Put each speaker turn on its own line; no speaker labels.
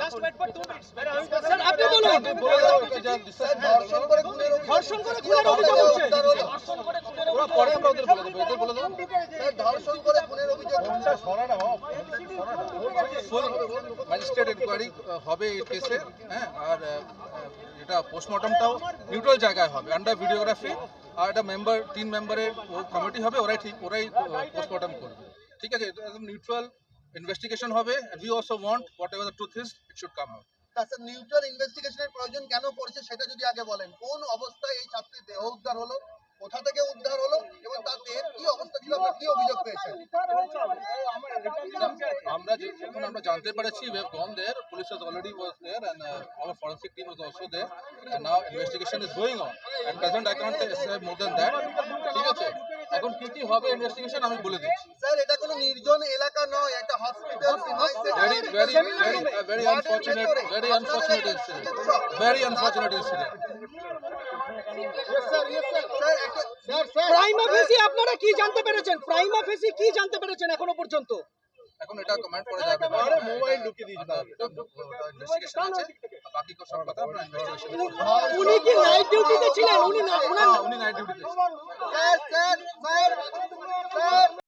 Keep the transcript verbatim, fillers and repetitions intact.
Just wait for two minutes. Sir, আপনি বলুন। ধর্ষণ করে খুনের অভিযোগ ধর্ষণ করে খুনের অভিযোগ হচ্ছে। ধর্ষণ করে খুনের অভিযোগ পরে আমরা ওদের বলে দেব, এদের বলে দাও। স্যার ধর্ষণ করে খুনের অভিযোগ কোনটা সরানো হোক। ফুল ম্যাজিস্ট্রেট ইনকোয়ারি হবে এই কেসে, হ্যাঁ, আর এটা পোস্টমর্টমটাও নিউট্রাল জায়গায় হবে, আন্ডার ভিডিওগ্রাফি, আর একটা মেম্বার তিন মেম্বারের কমিটি হবে, ওরাই ঠিক ওরাই পোস্টমর্টম করবে, ঠিক আছে? একদম নিউট্রাল ইনভেস্টিগেশন হবে, and we also want whatever the truth is it should come out.
তাছাড়া নিউট্রাল ইনভেস্টিগেশনের প্রয়োজন কেন পড়ছে সেটা যদি আগে বলেন। কোন অবস্থায় এই ছাত্রীর দেহ উদ্ধার হলো, কোথা থেকে উদ্ধার হলো এবং তার দেহের কি অবস্থা ছিল, আপনারা কি অভিযোগ পেয়েছেন?
আমরা যখন আমরা জানতে পেরেছি, we have gone there, police has already was there, and uh, our forensic team was also there, and now investigation is going on, and present I can't say more than that, ঠিক আছে? এখন কি কি হবে investigation আমি বলে দিচ্ছি।
Sir এটা কোনো নির্জন এলাকা নয়, একটা hospital,
very very very uh, very unfortunate very unfortunate incident, very unfortunate incident.
Prima facie আপনারা কি জানতে পেরেছেন? প্রাইমা ফেসি কি জানতে পেরেছেন এখনো পর্যন্ত?
এখন এটা কমেন্ট করা যাবে না, আরে মোবাইল ঢুকিয়ে দিন, ইনভেস্টিগেশন আছে, বাকি সব কথা আমরা ইনভেস্টিগেশন করব।
উনি কি নাইট ডিউটিতে ছিলেন? উনি না
উনি নাইট ডিউটিতে ছিলেন।
Sir sir sir sir